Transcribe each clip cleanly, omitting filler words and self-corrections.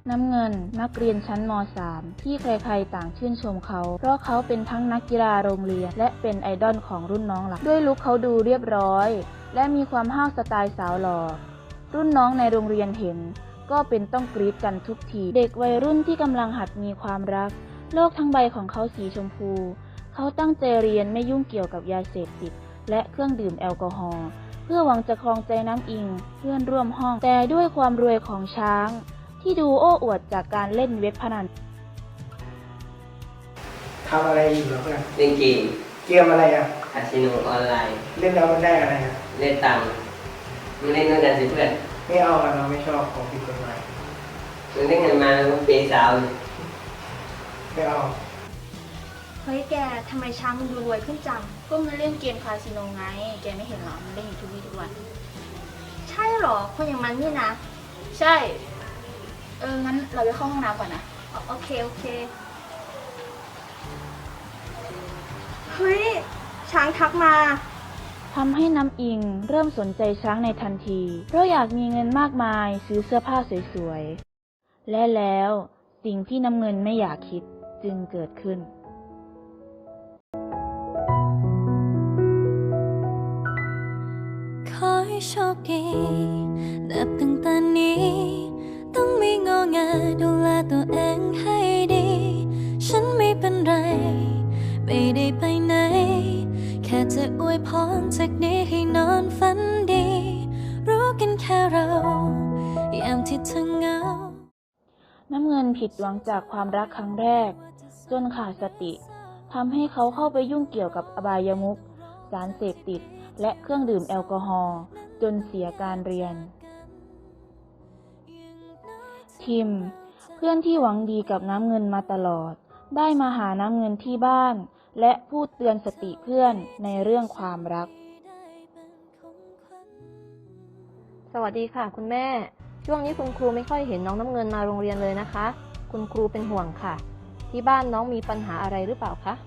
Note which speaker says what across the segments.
Speaker 1: น้ำเงินนักเรียนชั้นม.3 ที่ใครๆต่างชื่นชมเขาเพราะเขาเป็นทั้งนักกีฬาโรงเรียนและเป็นไอดอลของรุ่นน้องหลักด้วยลุคเขาดูเรียบร้อยและมีความห้าวสไตล์สาวหล่อรุ่นน้องในโรงเรียนเห็นก็เป็นต้องกรี๊ดกันทุกทีเด็กวัยรุ่นที่กำลังหัดมีความรักโลกทั้งใบของเขาสีชมพูเขาตั้งใจเรียนไม่ยุ่งเกี่ยวกับยาเสพติดและเครื่องดื่มแอลกอฮอล์เพื่อหวังจะครองใจน้ำอิงเพื่อนร่วมห้องแต่ด้วยความรวยของช้างที่ดูโอ้อวดจากการเล่นเว็บพนัน
Speaker 2: ทำอะไรอยู่เหรอเพื่อน
Speaker 3: เล่นเกม
Speaker 2: อะไรอ่ะ
Speaker 3: คาสิโนออนไลน์
Speaker 2: เล่นแล้วมันได้อะไรอ่ะ
Speaker 3: เล่นตังค์มันเล่นด้วยกันสิเพื่อน
Speaker 2: ไม่เอาอะเราไม่ชอบของผิดกฎหมาย
Speaker 3: มันเล่นเงินมาแล้วมันเปย์สาว
Speaker 2: ไม่เอา
Speaker 4: เฮ้ยแกทำไมช้างมันดูรวยขึ้นจัง
Speaker 1: ก็มันเล่นเกมคาสิโนไงแกไม่เห็นหรอมันเล่นอยู่ทุกวี่ทุกวัน
Speaker 4: ใช่หรอคนอย่างมันนี่นะ
Speaker 1: ใช่งั้นเราไปเข้าห้องน้ำก่อนนะ
Speaker 4: โอเคเฮ้ยช้างทักมา
Speaker 1: ทำให้น้ำอิงเริ่มสนใจช้างในทันทีเพราะอยากมีเงินมากมายซื้อเสื้อผ้าสวยๆและแล้วสิ่งที่น้ำเงินไม่อยากคิดจึงเกิดขึ้น
Speaker 5: ขอให้โชคดีนับตั้งแต่นี้ต้องไม่งอแงดูแลตัวเองให้ดีฉันไม่เป็นไรไม่ได้ไปไหนแค่จะอวยพรจากนี้ให้นอนฝันดีรู้กันแค่เรายามที่เธอเหงา
Speaker 1: น้ำเงินผิดหวังจากความรักครั้งแรกจนขาดสติทำให้เขาเข้าไปยุ่งเกี่ยวกับอบายมุขสารเสพติดและเครื่องดื่มแอลกอฮอล์จนเสียการเรียนทิมเพื่อนที่หวังดีกับน้ำเงินมาตลอดได้มาหาน้ำเงินที่บ้านและพูดเตือนสติเพื่อนในเรื่องความรัก
Speaker 6: สวัสดีค่ะคุณแม่ช่วงนี้คุณครูไม่ค่อยเห็นน้องน้ำเงินมาโรงเรียนเลยนะคะคุณครูเป็นห่วงค่ะที่บ้านน้องมีปัญหาอะไรหรือเปล่าคะ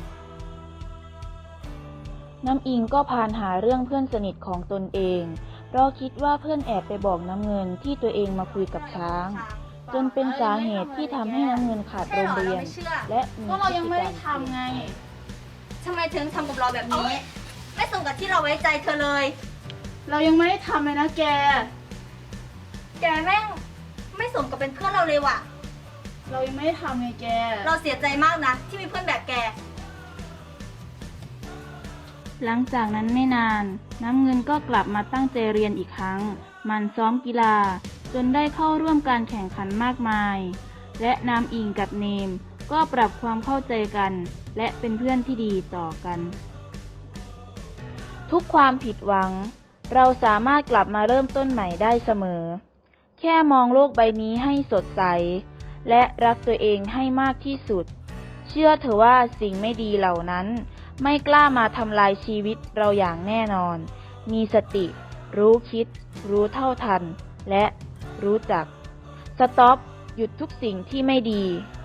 Speaker 1: น้ำอิงก็พานหาเรื่องเพื่อนสนิทของตนเองเพราะคิดว่าเพื่อนแอบไปบอกน้ำเงินที่ตัวเองมาคุยกับช้างจนเป็นสาเหตุที่ทำให้น้ำเงินขาดโรงเรียนและมีพฤติกรรม
Speaker 4: ก็เรายังไม่ได้ทำไงทำไมถึงทำกับเราแบบนี้ไม่สมกับที่เราไว้ใจเธอเลย
Speaker 1: เรายังไม่ได้ทำเลยนะแก
Speaker 4: แม่งไม่สมกับเป็นเพื่อนเราเลยว่ะ
Speaker 1: เรายังไม่ได้ทำไงแก
Speaker 4: เราเสียใจมากนะที่มีเพื่อนแบบแก
Speaker 1: หลังจากนั้นไม่นานน้ำเงินก็กลับมาตั้งใจเรียนอีกครั้งมันซ้อมกีฬาจนได้เข้าร่วมการแข่งขันมากมายและน้ำอิงกับเนมก็ปรับความเข้าใจกันและเป็นเพื่อนที่ดีต่อกันทุกความผิดหวังเราสามารถกลับมาเริ่มต้นใหม่ได้เสมอแค่มองโลกใบนี้ให้สดใสและรักตัวเองให้มากที่สุดเชื่อเถอะว่าสิ่งไม่ดีเหล่านั้นไม่กล้ามาทำลายชีวิตเราอย่างแน่นอนมีสติรู้คิดรู้เท่าทันและรู้จักสต็อปหยุดทุกสิ่งที่ไม่ดี